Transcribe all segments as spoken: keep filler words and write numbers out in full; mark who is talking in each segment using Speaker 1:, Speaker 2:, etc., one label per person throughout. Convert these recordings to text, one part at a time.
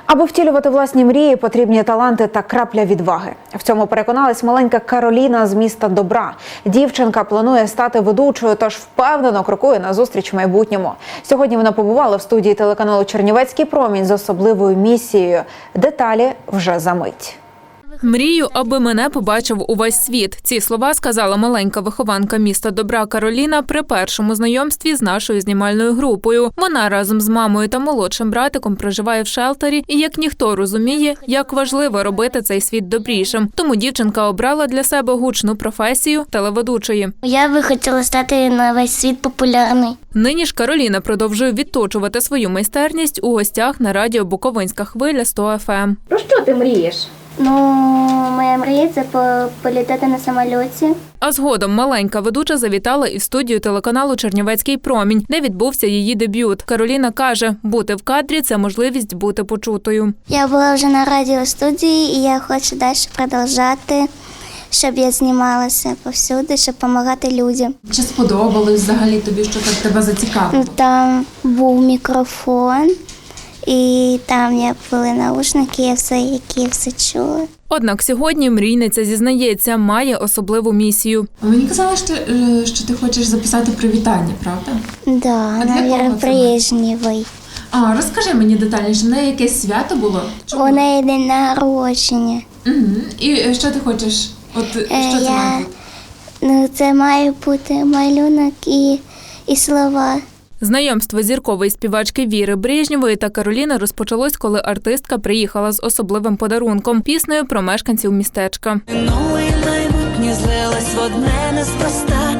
Speaker 1: Аби втілювати власні мрії, потрібні таланти та крапля відваги. В цьому переконалась маленька Кароліна з міста Добра. Дівчинка планує стати ведучою, тож впевнено крокує назустріч майбутньому. Сьогодні вона побувала в студії телеканалу «Чернівецький промінь» з особливою місією. Деталі вже за мить.
Speaker 2: Мрію, аби мене побачив увесь світ. Ці слова сказала маленька вихованка міста Добра Кароліна при першому знайомстві з нашою знімальною групою. Вона разом з мамою та молодшим братиком проживає в шелтері і, як ніхто, розуміє, як важливо робити цей світ добрішим. Тому дівчинка обрала для себе гучну професію телеведучої.
Speaker 3: Я би хотіла стати на весь світ популярний.
Speaker 2: Нині ж Кароліна продовжує відточувати свою майстерність у гостях на радіо «Буковинська хвиля» сто еф ем.
Speaker 4: Про що ти мрієш?
Speaker 3: Ну, моя мрія – це політати на самольоті.
Speaker 2: А згодом маленька ведуча завітала і в студію телеканалу «Чернівецький промінь», де відбувся її дебют. Кароліна каже, бути в кадрі – це можливість бути почутою.
Speaker 3: Я була вже на радіостудії, і я хочу далі продовжувати, щоб я знімалася повсюди, щоб допомагати людям.
Speaker 5: Чи сподобалось взагалі тобі, що так тебе зацікавило?
Speaker 3: Там був мікрофон. І там я були наушники, я все, які я все чула.
Speaker 2: Однак сьогодні мрійниця зізнається, має особливу місію.
Speaker 5: Мені казали, що, що ти хочеш записати привітання, правда?
Speaker 3: Да, на Віри Брежнєвій.
Speaker 5: А, розкажи мені детальніше, в неї якесь свято було?
Speaker 3: У неї день народження.
Speaker 5: Угу. І що ти хочеш? От що це
Speaker 3: я...
Speaker 5: має бути?
Speaker 3: Ну, це має бути малюнок і, і слова.
Speaker 2: Знайомство зіркової співачки Віри Брежнєвої та Кароліни розпочалось, коли артистка приїхала з особливим подарунком – піснею про мешканців містечка.
Speaker 6: Минуле і майбутнє злилось в одне неспроста,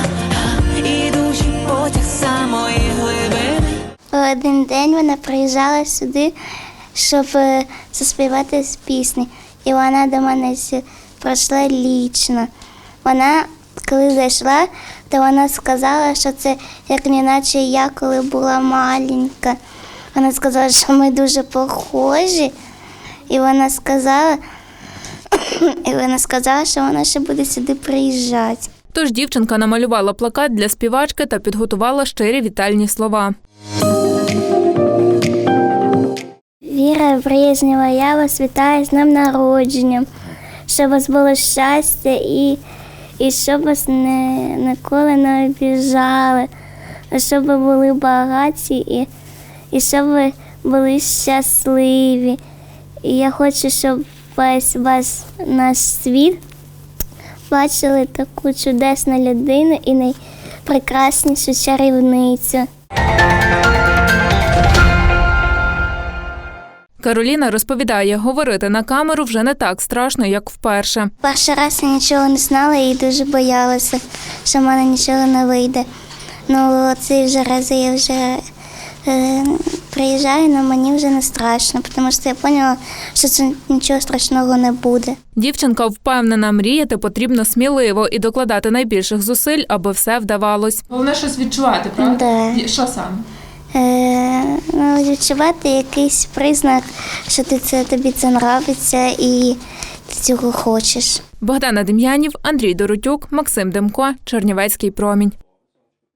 Speaker 6: ідучий потяг самої глибини.
Speaker 3: Один день вона приїжджала сюди, щоб заспівати з пісні. І вона до мене прийшла лічно. Вона, коли зайшла, то вона сказала, що це як неначе я, коли була маленька. Вона сказала, що ми дуже похожі. І вона сказала, і вона сказала, що вона ще буде сюди приїжджати.
Speaker 2: Тож дівчинка намалювала плакат для співачки та підготувала щирі вітальні слова.
Speaker 3: Віра Брежнєва, я вас вітаю з днем народження. Щоб у вас було щастя і І щоб вас не, ніколи не обіжали, а щоб ви були багаті і, і щоб ви були щасливі. І я хочу, щоб весь ваш наш світ бачили таку чудесну людину і найпрекраснішу чарівницю.
Speaker 2: Кароліна розповідає, говорити на камеру вже не так страшно, як вперше.
Speaker 3: Перший раз я нічого не знала і дуже боялася, що в мене нічого не вийде. Ну, ці вже рази я вже е, приїжджаю, але мені вже не страшно, тому що я зрозуміла, що це нічого страшного не буде.
Speaker 2: Дівчинка впевнена, мріяти потрібно сміливо і докладати найбільших зусиль, аби все вдавалось.
Speaker 5: Головне щось відчувати, правда?
Speaker 3: Да.
Speaker 5: Що саме?
Speaker 3: Е, ну, відчувати якийсь признак, що ти це, тобі це подобається і ти цього хочеш.
Speaker 2: Богдана Дем'янів, Андрій Доротюк, Максим Демко, Чернівецький промінь.